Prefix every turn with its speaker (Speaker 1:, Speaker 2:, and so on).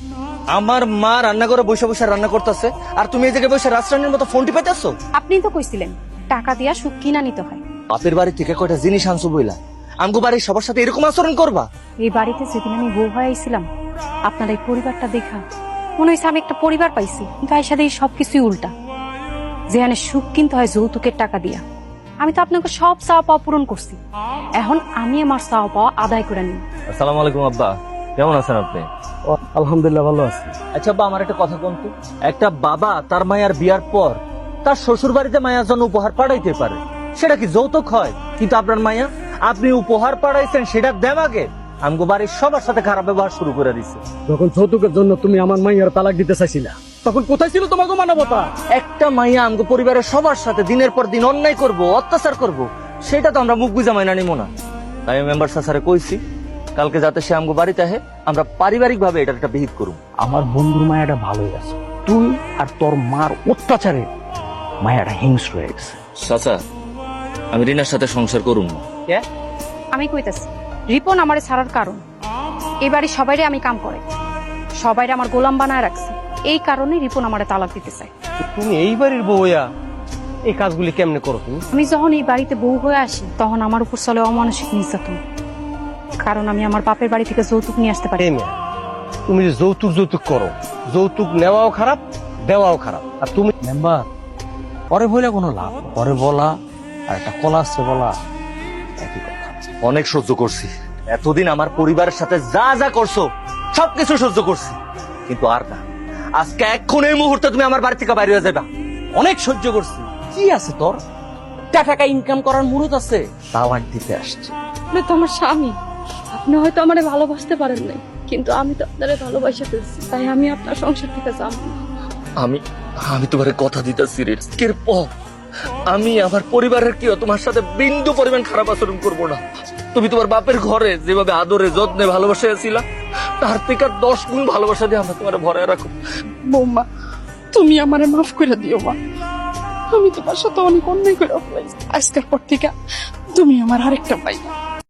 Speaker 1: আমার মা রান্না করে বসে বসে রান্না করতেছে আর তুমি এই জায়গায় বসে রাজরানীর মতো ফোন টিপাইতেছো।
Speaker 2: আপনি তো কইছিলেন টাকা দিয়া সুখ কিনা নিতে হয়।
Speaker 1: বাপের বাড়ি থেকে কয়টা জিনিস আনছো বইলা আমগো বাড়ির সবার সাথে এরকম আচরণ করবা?
Speaker 2: এই বাড়িতে যেদিন আমি বউ হয়ে আইছিলাম আপনার এই পরিবারটা দেখা মনে হয়েছে আমি একটা পরিবার পাইছি, কিন্তু এর সাথে এই সবকিছুই উল্টা। যেখানে সুখ কিনতে হয় যৌতুকের টাকা দিয়া। আমি তো আপনাকে সব চাওয়া পাওয়া পূরণ করছি, এখন আমি আমার চাওয়া পাওয়া আদায় করে নিই।
Speaker 1: আসসালামু আলাইকুম আব্বা, কেমন আছেন আপনি?
Speaker 3: আলহামদুলিল্লাহ ভালো আছি।
Speaker 1: আচ্ছা আব্বা, আমার একটা কথা বলতো, একটা বাবা তার মায়ের বিয়ার পর তার শ্বশুর বাড়িতে মায়ের জন্য উপহার পাঠাইতে পারে, সেটা কি যৌতুক হয়? কিন্তু আপনার মায়া, আপনি উপহার পাঠাইছেন সেটা দেমাগে আমগো বাড়ির সবার সাথে খারাপ ব্যবহার শুরু করে দিছে।
Speaker 3: যখন যৌতুকের জন্য তুমি আমার মাইয়ার তালাক দিতে চাইছিলা, তখন কোথায় ছিল তোমাকে মানবতা?
Speaker 1: একটা মাইয়া আমগো পরিবারের সবার সাথে দিনের পর দিন অন্যায় করব, অত্যাচার করব, সেটা তো আমরা মুখ বুঝা মাইনা নিব না। তাই আমি মেম্বার স্যারে কইছি কালকে যাতে সে আমগো বাড়িতে আহে, আমরা পারিবারিক ভাবে এটা একটা বিহিত করুম।
Speaker 4: আমার বন্ধুর মায়াটা ভালোই আছে, তুই আর তোর মার অত্যাচারে মায়াটা হিংস্র হয়ে গেছে।
Speaker 1: চাচা, আমি রিনার সাথে সংসার করুম না।
Speaker 2: আমি কইতাছি রিপন আমারে ছাড়ার কারণ এই বাড়ি সবাইরে আমি কাম করে সবাইরে আমার গোলাম বানায় রাখছি, এই কারণে রিপন আমারে তালাক দিতে চায়।
Speaker 3: তুমি এই বাড়ির বউ হইয়া এই কাজগুলি কেমনে করো তুমি?
Speaker 2: আমি যখন এই বাড়িতে বউ হয়ে আসি তখন আমার উপর চলে অমানসিক নির্যাতন, কারণ আমি আমার বাপের বাড়ি থেকে যৌতুক নিয়ে আসতে পারি।
Speaker 3: এই মেয়ে, তুমি যে যৌতুক করো, যৌতুক নেওয়াও খারাপ, দেওয়াও খারাপ। আর তুমি
Speaker 4: মেম্বার, পরে বলে কোনো লাভ, পরে বলা আর একটা কলা আসছে বলা একই কথা।
Speaker 1: অনেক সহ্য করছি, এতদিন আমার পরিবারের সাথে যা যা করছো সবকিছু সহ্য করছি, কিন্তু আর না। আজকে এক্ষুন এই মুহূর্তে তুমি আমার বাড়ি থেকে বাইরে হয়ে যাবা।
Speaker 4: অনেক সহ্য করছি, কি আছে তোর? টাকা ইনকাম করার মুরত আছে, তালাক দিতে আসছে।
Speaker 5: আপনি তো আমার স্বামী, আপনি হয়তো আমারে ভালোবাসতে পারেন নাই, কিন্তু আমি তো আপনারে ভালোবাসা ফেলছি, তাই আমি আপনার সংসার থেকে যাবো না।
Speaker 1: আমি তোমার কথা দিতেছি রে, আজকের পর আমি আমার পরিবারের কেউ তোমার সাথে বিন্দু পরিমাণ খারাপ আচরণ করবো না। তুমি তোমার বাপের ঘরে যেভাবে আদরে যত্নে ভালোবাসা ছিল, তার থেকে 10 গুণ ভালোবাসা দিয়ে আমরা তোমার ভরায় রাখো।
Speaker 5: বৌমা, তুমি আমারে মাফ করে দিও মা, আমি তোমার সাথে অনেক অন্যায় করে ফেলাইছি। আজকের পর থেকে তুমি আমার আরেকটা ভাই।